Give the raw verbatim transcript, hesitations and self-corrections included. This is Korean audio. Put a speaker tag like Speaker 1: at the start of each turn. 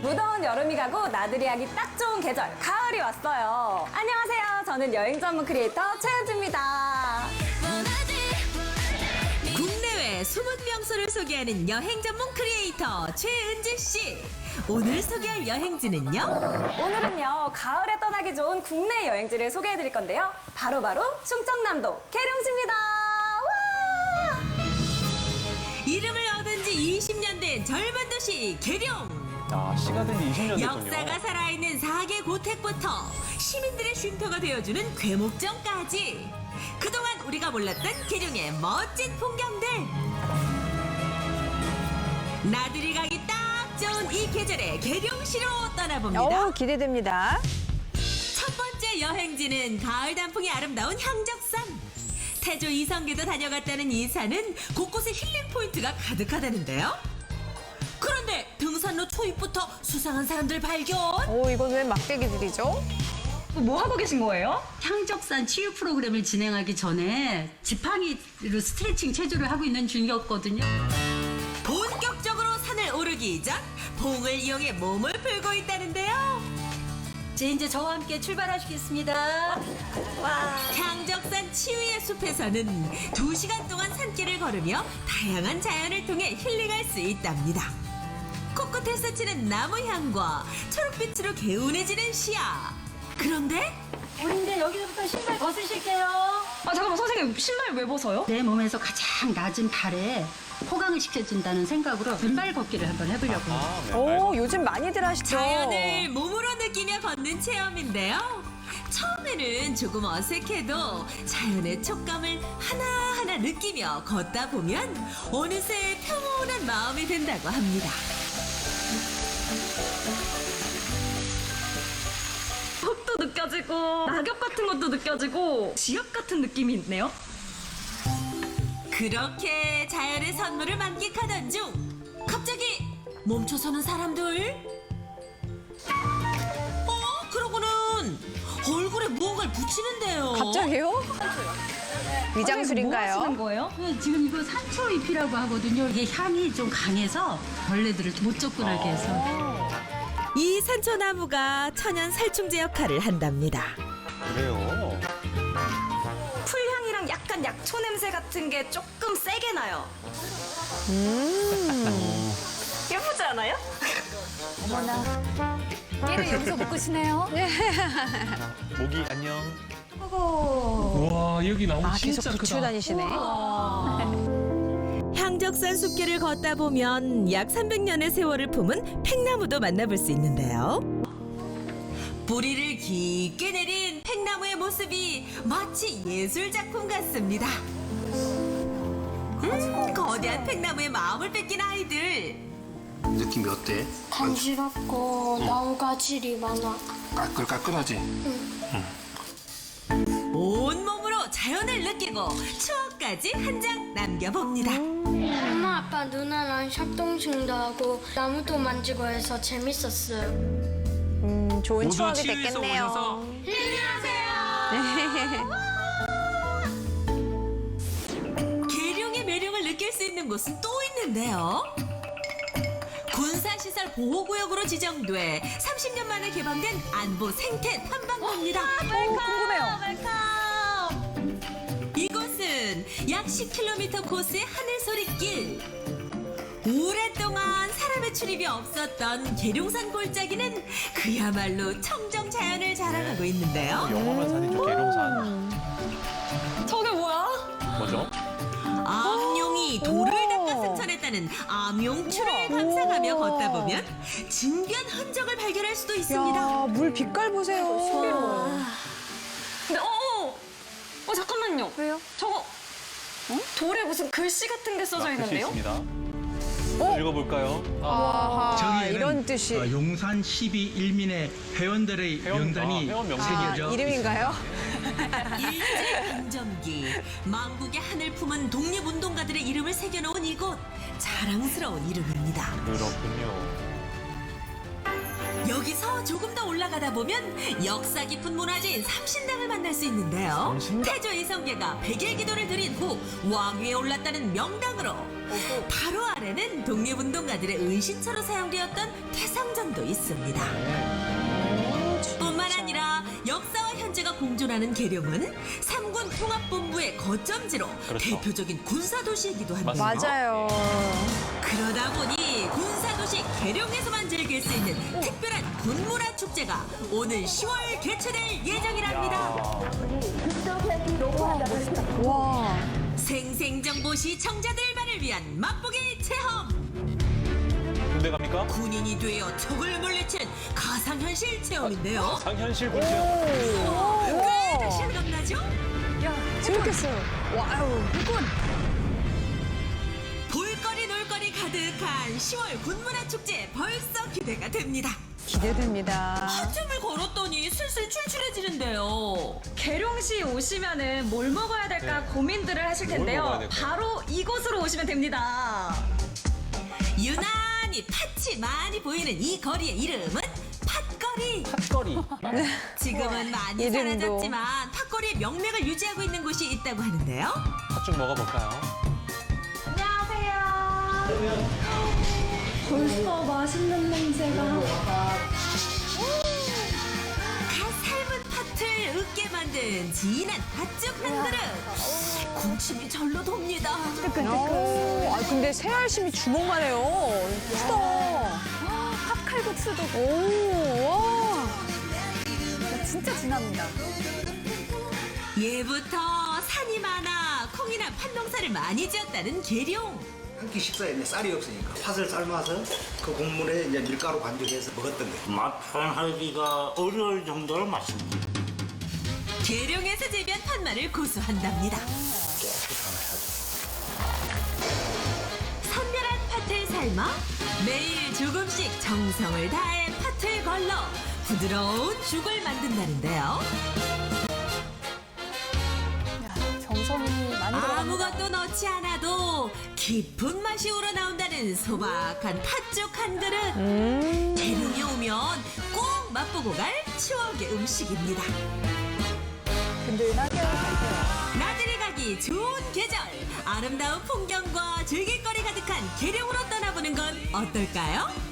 Speaker 1: 무더운 여름이 가고 나들이 하기 딱 좋은 계절, 가을이 왔어요. 안녕하세요. 저는 여행 전문 크리에이터 최은주입니다.
Speaker 2: 국내외 숨은 명소를 소개하는 여행 전문 크리에이터 최은주 씨. 오늘 소개할 여행지는요?
Speaker 1: 오늘은요, 가을에 떠나기 좋은 국내 여행지를 소개해 드릴 건데요. 바로바로 충청남도 계룡시입니다. 와!
Speaker 2: 이름을 얻은 지 이십 년 된 젊은 도시 계룡.
Speaker 3: 아, 시가 된 지 이십 년 됐군요.
Speaker 2: 역사가 살아있는 사계 고택부터 시민들의 쉼터가 되어주는 괴목정까지 그동안 우리가 몰랐던 계룡의 멋진 풍경들. 나들이 가기 딱 좋은 이 계절에 계룡시로 떠나봅니다.
Speaker 4: 오, 기대됩니다.
Speaker 2: 첫 번째 여행지는 가을 단풍이 아름다운 향적산. 태조 이성계도 다녀갔다는 이 산은 곳곳에 힐링 포인트가 가득하다는데요. 그런데 등산로 초입부터 수상한 사람들 발견.
Speaker 4: 오, 이건 왜 막대기들이죠?
Speaker 1: 뭐 하고 계신 거예요?
Speaker 5: 향적산 치유 프로그램을 진행하기 전에 지팡이로 스트레칭 체조를 하고 있는 중이었거든요.
Speaker 2: 본격적으로 산을 오르기 전 봉을 이용해 몸을 풀고 있다는데요.
Speaker 5: 제 이제 저와 함께 출발하시겠습니다.
Speaker 2: 향적산 치유의 숲에서는 두 시간 동안 산길을 걸으며 다양한 자연을 통해 힐링할 수 있답니다. 코끝에서 치는 나무 향과 초록빛으로 개운해지는 시야. 그런데
Speaker 5: 우리 이제 여기서부터 신발 벗으실게요.
Speaker 1: 아, 잠깐만, 선생님, 신발 왜 벗어요?
Speaker 5: 내 몸에서 가장 낮은 발에 호강을 시켜준다는 생각으로 맨발 걷기를 한번 해보려고요.
Speaker 3: 아, 맨발
Speaker 4: 오, 요즘 많이들 하시죠?
Speaker 2: 자연을 몸으로 느끼며 걷는 체험인데요. 처음에는 조금 어색해도 자연의 촉감을 하나하나 느끼며 걷다 보면 어느새 평온한 마음이 든다고 합니다.
Speaker 1: 흙도 느껴지고, 낙엽 같은 것도 느껴지고, 지압 같은 느낌이 있네요.
Speaker 2: 그렇게 자연의 선물을 만끽하던 중 갑자기 멈춰서는 사람들. 어? 그러고는 얼굴에 무언가를 붙이는데요.
Speaker 4: 갑자기요? 위장술인가요?
Speaker 1: 뭐 하시는 거예요?
Speaker 5: 네, 지금 이거 산초잎이라고 하거든요. 이게 향이 좀 강해서 벌레들을 못 접근하게 해서.
Speaker 2: 이 산초나무가 천연 살충제 역할을 한답니다.
Speaker 3: 그래요.
Speaker 1: 풀향이랑 약간 약초 냄새 같은 게 조금 세게 나요.
Speaker 4: 음.
Speaker 1: 예쁘지 않아요?
Speaker 4: 얘를 여기서 묶으시네요.
Speaker 3: 모기 안녕.
Speaker 6: 와 여기 나무
Speaker 4: 아, 계속
Speaker 6: 진짜
Speaker 4: 붙이고
Speaker 6: 크다.
Speaker 4: 다니시네.
Speaker 2: 향적산 숲길을 걷다 보면 약 삼백 년의 세월을 품은 팽나무도 만나볼 수 있는데요. 뿌리를 깊게 내린 팽나무의 모습이 마치 예술 작품 같습니다. 음, 거대한 팽나무의 마음을 뺏긴 아이들.
Speaker 7: 느낌이 어때?
Speaker 8: 간지럽고 나무가 질이 많아.
Speaker 7: 까끌까끌하지?
Speaker 2: 온몸으로 자연을 느끼고 추억까지 한 장 남겨봅니다.
Speaker 8: 엄마, 아빠, 누나랑 협동심도 하고 나무도 만지고 해서 재밌었어요.
Speaker 4: 음, 좋은
Speaker 6: 모두
Speaker 4: 추억이
Speaker 6: 치유해서
Speaker 4: 됐겠네요.
Speaker 6: 오셔서
Speaker 2: 계룡의 매력을 느낄 수 있는 곳은 또 있는데요. 군사시설 보호구역으로 지정돼 삼십 년 만에 개방된 안보 생태 탐방로입니다.
Speaker 1: 궁금해요.
Speaker 2: 이곳은 약 십 킬로미터 코스의 하늘소리길. 오랫동안 사람의 출입이 없었던 계룡산 골짜기는 그야말로 청정 자연을 자랑하고 있는데요.
Speaker 3: 영화만 산이죠, 계룡산.
Speaker 1: 저게 뭐야?
Speaker 3: 뭐죠?
Speaker 2: 암용이 돌을 닦아 승천했다는 암용출을 감상하며 걷다 보면 진변 흔적을 발견할 수도 있습니다.
Speaker 4: 야, 물 빛깔 보세요.
Speaker 1: 근데, 어, 어, 어, 잠깐만요. 왜요? 저거, 돌에 무슨 글씨 같은 게 써져
Speaker 3: 아, 글씨
Speaker 1: 있는데요?
Speaker 3: 있습니다.
Speaker 4: 어?
Speaker 3: 읽어볼까요?
Speaker 4: 아하,
Speaker 6: 저기에는
Speaker 4: 이런 뜻이.
Speaker 6: 어, 용산 십이 일민의 회원들의
Speaker 3: 회원,
Speaker 6: 명단이
Speaker 3: 아, 회원 명단.
Speaker 6: 새겨져
Speaker 4: 아, 이름인가요?
Speaker 2: 일제 강점기 망국의 하늘 품은 독립운동가들의 이름을 새겨놓은 이곳. 자랑스러운 이름입니다.
Speaker 3: 그렇군요.
Speaker 2: 여기서 조금 더 올라가다 보면 역사 깊은 문화재인 삼신당을 만날 수 있는데요.
Speaker 3: 삼신당?
Speaker 2: 태조 이성계가 백일 기도를 드린 후 왕위에 올랐다는 명당으로 바로 아래는 독립운동가들의 은신처로 사용되었던 태성전도 있습니다. 뿐만 아니라 역사와 현재가 공존하는 계룡은 삼군 통합본부의 거점지로
Speaker 3: 그렇죠.
Speaker 2: 대표적인 군사도시이기도 합니다.
Speaker 4: 맞아요.
Speaker 2: 그러다 보니 군사도시 계룡에서만 즐길 수 있는 특별한 군무라 축제가 오는 시월 개최될 예정이랍니다.
Speaker 4: 와.
Speaker 2: 생생정보 시청자들만을 위한 맛보기 체험.
Speaker 3: 군대 갑니까?
Speaker 2: 군인이 되어 적을 물리치는 가상현실 체험인데요.
Speaker 3: 상현실 군대요.
Speaker 2: 꽤나 실감나죠?
Speaker 4: 재밌겠어요. 와우.
Speaker 2: 볼거리 놀거리 가득한 시월 군문화 축제 벌써 기대가 됩니다.
Speaker 4: 기대됩니다.
Speaker 2: 한참을 걸었더니 슬슬 출출해지는데요.
Speaker 1: 계룡시 오시면은 뭘 먹어야 될까
Speaker 3: 네.
Speaker 1: 고민들을 하실
Speaker 3: 뭘
Speaker 1: 텐데요.
Speaker 3: 먹어야 될까요?
Speaker 1: 바로 이곳으로 오시면 됩니다.
Speaker 2: 유난히 팥이 많이 보이는 이 거리의 이름은 팥거리.
Speaker 3: 핫거리.
Speaker 2: 지금은 많이
Speaker 4: 이름도.
Speaker 2: 사라졌지만 팥거리의 명맥을 유지하고 있는 곳이 있다고 하는데요.
Speaker 3: 팥죽 먹어볼까요?
Speaker 1: 안녕하세요. 벌써 맛있는 냄새가.
Speaker 2: 갓 삶은 팥을 으깨 만든 진한 팥죽 한 그릇. 군침이 절로 돕니다.
Speaker 4: 오, 아 근데 새알심이 주먹만 해요. 크다.
Speaker 1: 팥칼국수도
Speaker 4: 오, 와.
Speaker 1: 진짜 진합니다.
Speaker 2: 예부터 산이 많아 콩이나 팥농사를 많이 지었다는 계룡.
Speaker 7: 한 끼 식사에 이제 쌀이 없으니까 팥을 삶아서 그 국물에 이제 밀가루 반죽해서 먹었던 거예요.
Speaker 9: 맛 표현하기가 어려울 정도로 맛있지.
Speaker 2: 계룡에서 재배한 팥말을 고수한답니다. 선별한 팥을 삶아 매일 조금씩 정성을 다해 팥을 걸러 부드러운 죽을 만든다는데요.
Speaker 1: 정성이 많이
Speaker 2: 아무것도 넣지 않아도 깊은 맛이 우러나온다는 소박한 팥죽 한 그릇. 계룡이 오면 꼭 맛보고 갈 추억의 음식입니다.
Speaker 1: 든든하게
Speaker 2: 나들이 가기 좋은 계절, 아름다운 풍경과 즐길거리 가득한 계룡으로 떠나보는 건 어떨까요?